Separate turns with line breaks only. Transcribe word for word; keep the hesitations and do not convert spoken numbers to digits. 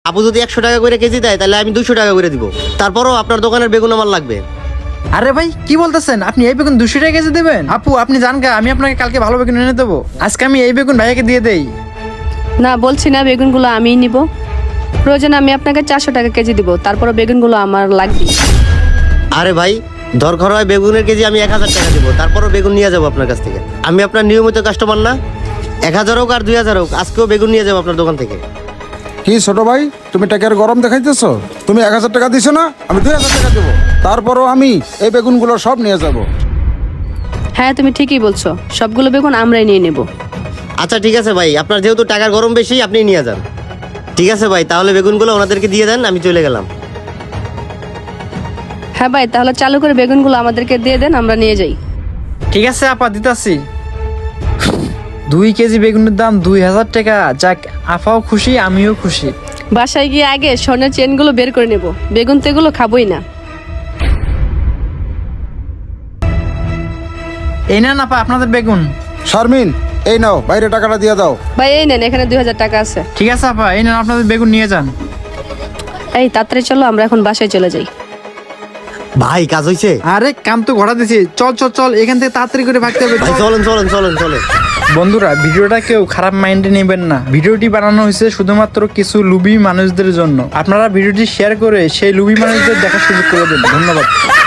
আপু যদি একশো টাকা করে কেজি দেয় তাহলে আমি দুশো টাকা করে দিব। তারপরও আপনার দোকানের বেগুন আমার লাগবে।
আরে ভাই কি বলতেছেন, আপনি এই বেগুন দুশো টাকা কেজি দেবেন? আপু আপনি জান গা, আমি আপনাকে কালকে ভালো বেগুন এনে দেবো, আজকে আমি এই বেগুন ভাইয়াকে দিয়ে দেই।
না, বলছি না বেগুনগুলো আমিই নিব। প্রয়োজন আমি আপনাকে চারশো টাকা কেজি দিব, তারপরে বেগুনগুলো আমার লাগবে।
আরে ভাই, দরকার হয় বেগুনের কেজি আমি এক হাজার টাকা দিব, তারপরও বেগুন নিয়ে যাবো আপনার কাছ থেকে। আমি আপনার নিয়মিত কাস্টমার না? এক হাজার হোক আর দুই হাজার হোক, আজকেও বেগুন নিয়ে যাবো আপনার দোকান থেকে।
কি ছোট ভাই, তুমি টাকার গরম দেখাইতেছো? তুমি এক হাজার টাকা দিছো না, আমি দুই হাজার টাকা দেবো, তারপরও আমি এই বেগুনগুলো সব নিয়ে যাব।
হ্যাঁ তুমি ঠিকই বলছো, সবগুলো বেগুন আমরাই নিয়ে নেব।
আচ্ছা ঠিক আছে ভাই, আপনার যেহেতু টাকার গরম বেশি আপনি নিয়ে যান। ঠিক আছে ভাই, তাহলে বেগুনগুলো ওনাদেরকে দিয়ে দেন, আমি চলে গেলাম।
হ্যাঁ ভাই, তাহলে চালু করে বেগুনগুলো আমাদেরকে দিয়ে দেন, আমরা নিয়ে যাই।
ঠিক আছে আপা, দিতাছি। দুই কেজি বেগুনের দাম দুই হাজার টাকা। যাক, আপাও খুশি আমিও খুশি।
বাসায় গিয়ে আগে স্বর্ণের চেনগুলো বের করে নেব, বেগুন তো এগুলো খাবোই না।
এই না আপা আপনাদের বেগুন।
শারমিন, এই নাও, বাইরে টাকাটা দিয়ে দাও।
ভাই এই নেন, এখানে দুই হাজার টাকা আছে।
ঠিক আছে আপা, এই নেন আপনাদের বেগুন নিয়ে যান।
এই তাড়াতাড়ি চলো, আমরা এখন বাসায় চলে যাই।
ভাই কাজ হয়েছে?
আরে কাম তো ঘোরা দিছি, চল চল চল, এখান থেকে তাড়াতাড়ি করে ভাগতে হবে।
ভাই চলেন চলেন চলেন চলেন।
বন্ধুরা, ভিডিওটা কেউ খারাপ মাইন্ডে নেবেন না। ভিডিওটি বানানো হয়েছে শুধুমাত্র কিছু লুবি মানুষদের জন্য। আপনারা ভিডিওটি শেয়ার করে সেই লুবি মানুষদের দেখার সুযোগ করে দেন। ধন্যবাদ।